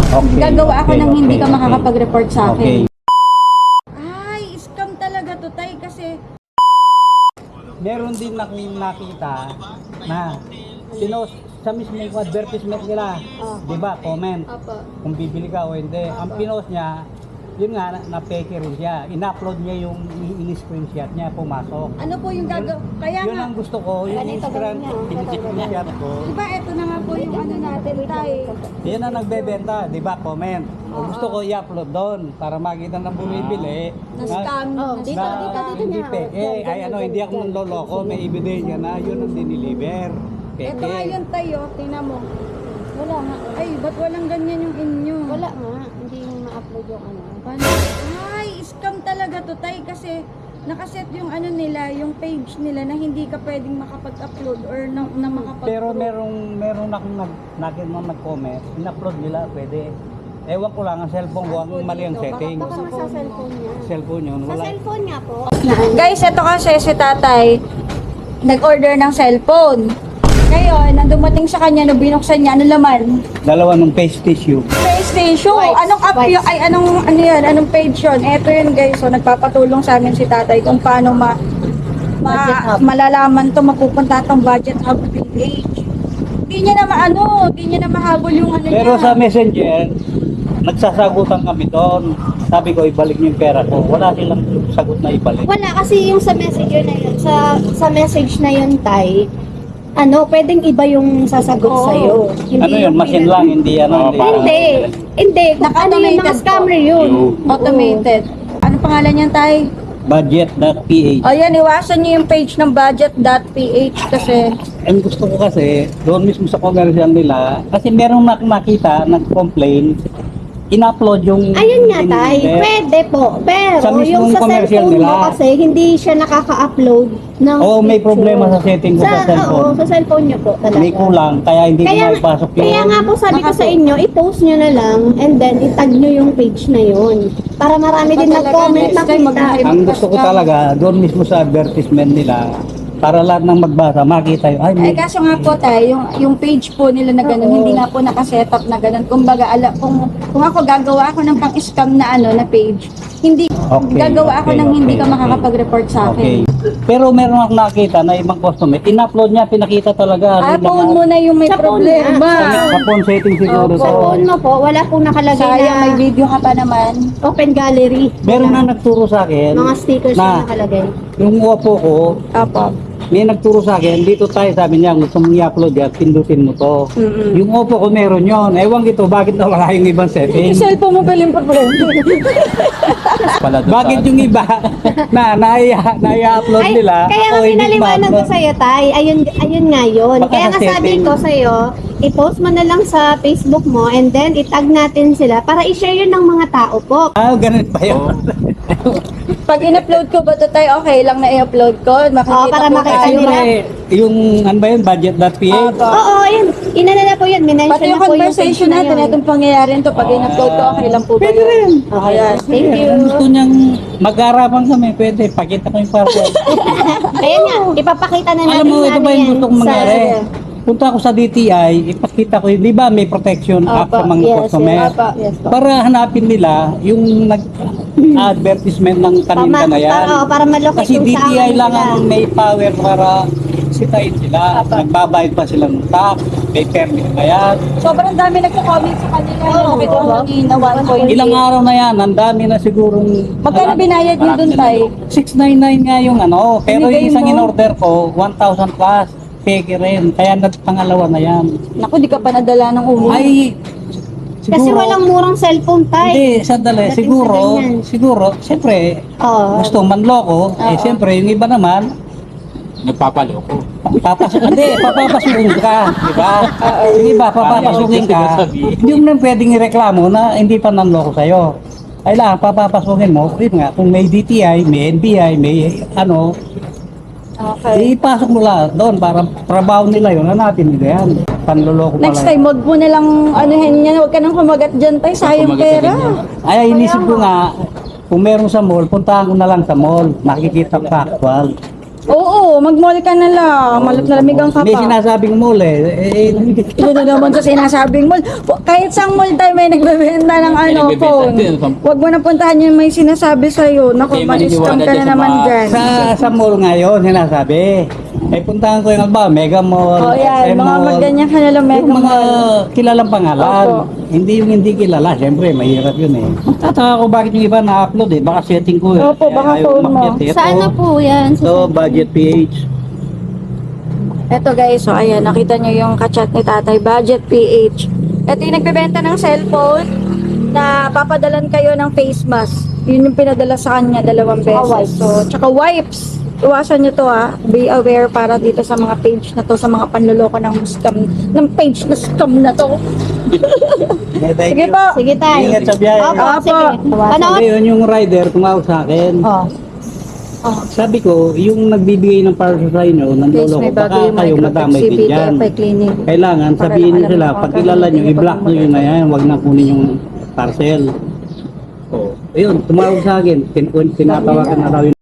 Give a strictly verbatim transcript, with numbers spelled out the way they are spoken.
Okay. Gagawa ako Okay, ng hindi okay, ka okay. makakapag-report sa akin. Okay. Ay, scam talaga to, tay, kasi Meron din na nakita na sinos sa mismong advertisement nila, Oh. di ba, comment Opo. kung bibili ka o hindi. Ang pinost niya, yun nga, na, na peke rin siya. In-upload niya yung in-screenshot niya, pumasok. Ano po yung gagawa? Kaya Yun nga, ang gusto ko, yung Ganito, screen- ganyan, oh. in-screenshot ko. diba ito na nga po yung ano natin, tay. Yan ang nagbebenta, di ba, comment. O Oo. gusto ko i-upload doon para makita ng bumibili. Na scam. Oh, na dito, scam. dito, dito Hindi niya. peke. Ay ano, hindi ako manloloko. May ebidensya na yun ang diniliver. Peke. Ito nga yun, tay, oh. Tingnan mo. Wala nga. Ay, ba't walang ganyan yung inyo? Wala nga. Hindi ma-upload yung ano. Paano? Ay, scam talaga to, tay, kasi nakaset yung ano nila, yung page nila na hindi ka pwedeng makapag-upload or na, na makapag Pero merong merong akong nag nakin mga nag-comment, in-upload nila pwede. Ewan ko lang ang cellphone ko, ang mali ang setting. Baka nasa cellphone niya. Cellphone yun, Sa wala. cellphone niya po. Guys, ito kasi si tatay nag-order ng cellphone. Ngayon, nang dumating sa kanya, no binuksan niya, ano laman? Dalawa ng face tissue. PlayStation. Wipes. Anong app Wipes. yun? Ay, anong, ano yun? Anong page yun? Ito yun, guys. So, nagpapatulong sa amin si tatay kung paano ma, ma Budget hub. malalaman to, mapupunta tong budget hub page. Hindi niya na maano, hindi niya na mahabol yung ano Pero niya. sa messenger, nagsasagutan kami doon. Sabi ko, ibalik niyo yung pera ko. Wala silang sagot na ibalik. Wala kasi yung sa messenger na yun, sa sa message na yun, tay, ano, pwedeng iba yung sasagot Oo. sa'yo. Ano yun, yung machine pinag- lang, hindi ano. Oo, hindi. parang- Hindi. Hindi. Kung ano yung mga Naka-automated scammer po. yun. Automated. Ano pangalan niyan, tay? Budget.ph. O yan, iwasan niyo yung page ng budget.ph kasi Ang gusto ko kasi, doon mismo sa commercial nila, kasi merong nak- nakita, nag-complain, in-upload yung... Ayun nga, tay. in- Pwede po. Pero Sa mismong yung sa commercial cellphone mo nila. kasi, hindi siya nakaka-upload ng Oo, may picture. problema sa setting ko sa cellphone. Oo, sa cellphone niyo po talaga. May kulang, kaya hindi ko Kaya, maipasok yun. kaya nga po sabi ko sa Nakapo- inyo, i-post nyo na lang and then itag nyo yung page na yun. Para marami din Talaga, nag-comment next time, makita. mag- Ang gusto ko talaga, doon mismo sa advertisement nila, para lahat ng magbasa, makita yun. Ay, Ay, may, kaso nga po tayo, yung, yung page po nila na gano'n, Oo. hindi nga po nakaset up na gano'n. Kumbaga, ala, kung, kung ako gagawa ako ng pang-scam na ano, na page, hindi, Okay, gagawa ako okay, ng hindi okay, ka okay. makakapag-report sa okay. akin. Pero meron akong nakita na ibang customer, in-upload niya, pinakita talaga. Ah, ano, phone mo na yung may Sa phone problema. na. Sa phone setting siguro. Opo. Sa to. phone mo po, wala pong nakalagay Sayang, may na video ka pa naman. open gallery. Meron na Wala. nagturo sa akin, Mga stickers na na nakalagay. yung Oppo ko, Apo. may nagturo sa akin, dito tayo, sabi niya, gusto mong i-upload yan, pindutin mo to. Mm-mm. Yung Oppo ko meron yon. Ewan kito, bakit nawala yung ibang setting? Yung cellphone mo pala yung problema. Bakit yung iba na naiya, naiya-upload Ay, nila, kaya nga ako hindi pinaliwanag ko ma-upload? sa'yo, tay. Ayun, ayun nga yun. Baka Kaya sa nga sabi setting. ko sa'yo, i-post mo na lang sa Facebook mo and then itag natin sila para i-share yun ng mga tao po. Ah, ganun pa yun. Pag in-upload ko ba ito tayo, okay lang na i-upload ko? Makikita Oo, para po makita tayo. nila. Siyempre, yung, ano ba yun, budget.ph? Opo. Oo, ayun. Inana na po yun. Minention Pati yung na po yung conversation page na natin, yun. itong pangyayari nito, pag in-upload ko, okay lang po ba Pwede yun? rin. Okay, Ayan. thank you. Kung gusto niyang mag-aarapan kami, pwede. Pakita ko yung password. Ayan nga, ipapakita na natin Alam mo, ito ano ba yung yan gusto kong sa- mangyari? Punta ako sa D T I, ipakita ko yun. Di ba may protection app Opo, sa mga yes, customer? yes, opo, yes po. Para hanapin nila yung nag-advertisement ng kaninda Para- na yan. para- oo, para malocate Kasi kung D T I saan lang sila. ang may power para sitayin sila. Nagbabayad pa sila ng tax, may permit pa yan. Sobrang dami nagko-comment sa kanila. Oo, Oh, Nakita ko oo. kanina, one point eight. Ilang araw na yan, ang dami na sigurong... Magkano binayad nyo dun, tay? six ninety-nine nga yung ano, pero Binigay yung isang mo? in-order ko, one thousand plus. Peke rin, kaya nagpangalawa na yan. Naku, di ka pa nadala ng ulo. Ay, siguro... Kasi walang murang cellphone, tay. Hindi, sandali. Dating Siguro, sa ganyan. siguro, siyempre, Oo. gusto manloko. Eh, Oo. siyempre, yung iba naman, Nagpapaloko. papasok, hindi, papapasukin ka, di ba? Yung iba, papapasukin ka. Hindi mo na pwedeng ireklamo na hindi pa nanloko sa'yo. Kailangan, papapasukin mo, yun nga, kung may D T I, may N B I, may ano, Okay. ipasok mo lahat doon para trabaho nila yun, hanapin nila yan. Panloloko pala. Next time, wag mo na lang anuhin yan. Huwag ka nang kumagat dyan, tay. Sayang Kumagat pera. na ganyan. Ay, inisip ko nga, kung meron sa mall, puntahan ko na lang sa mall. Makikita ko actual. Oo, mag-mall ka na lang. Malap na lamigang ka May pa. sinasabing mall eh. Eh, Ito na naman sa sinasabing mall. Kahit sang mall tayo may nagbebenta ng May ano, nagbebenta phone. din. Huwag mo na puntahan yung may sinasabi sa'yo. Naku, Hindi ma-scam maniniwala ka dyan na sa naman mga- dyan. sa, sa mall ngayon, sinasabi. Eh, puntahan ko yung ba, Mega Mall, Oh, yan. S M Mga Mall. magganyan ka na lang, Mega Yung mga Mall. kilalang pangalan. Opo. Hindi yung hindi kilala. Siyempre, mahirap yun eh. Tataka ko bakit yung iba na-upload eh. Baka setting ko eh. Opo, baka ayaw phone mo. umakyat eh. Saan na Ito, po yan? Sa ito, Budget P H. Eto guys, so ayan, nakita nyo yung kachat ni Tatay, Budget P H. Ito yung nagbebenta ng cellphone na papadalan kayo ng face mask. Yun yung pinadala sa kanya, dalawang Tsaka beses. wipes. So, tsaka wipes. Iwasan nyo to ha. Be aware para dito sa mga page na to, sa mga panluloko ng scam, ng page na scam na to. Sige po. Sige tayo. Ingat sa biyahe. Opo, Opo. sige. Panood. Ngayon yung rider tumawag sa akin. Oh. Oh. Sabi ko, yung nagbibigay ng parcel sa inyo, Guys, nanloloko, may bago baka yung kayo Microtex madamay C din B T dyan. F I Clinic. Kailangan Para sabihin alam nyo sila, mo kung pag kilala kailan nyo, hindi i-block pa nyo yun na yan, huwag na kunin yung parcel. Oh, ayun, tumawag sa akin, tin tinatawagan na raw yun.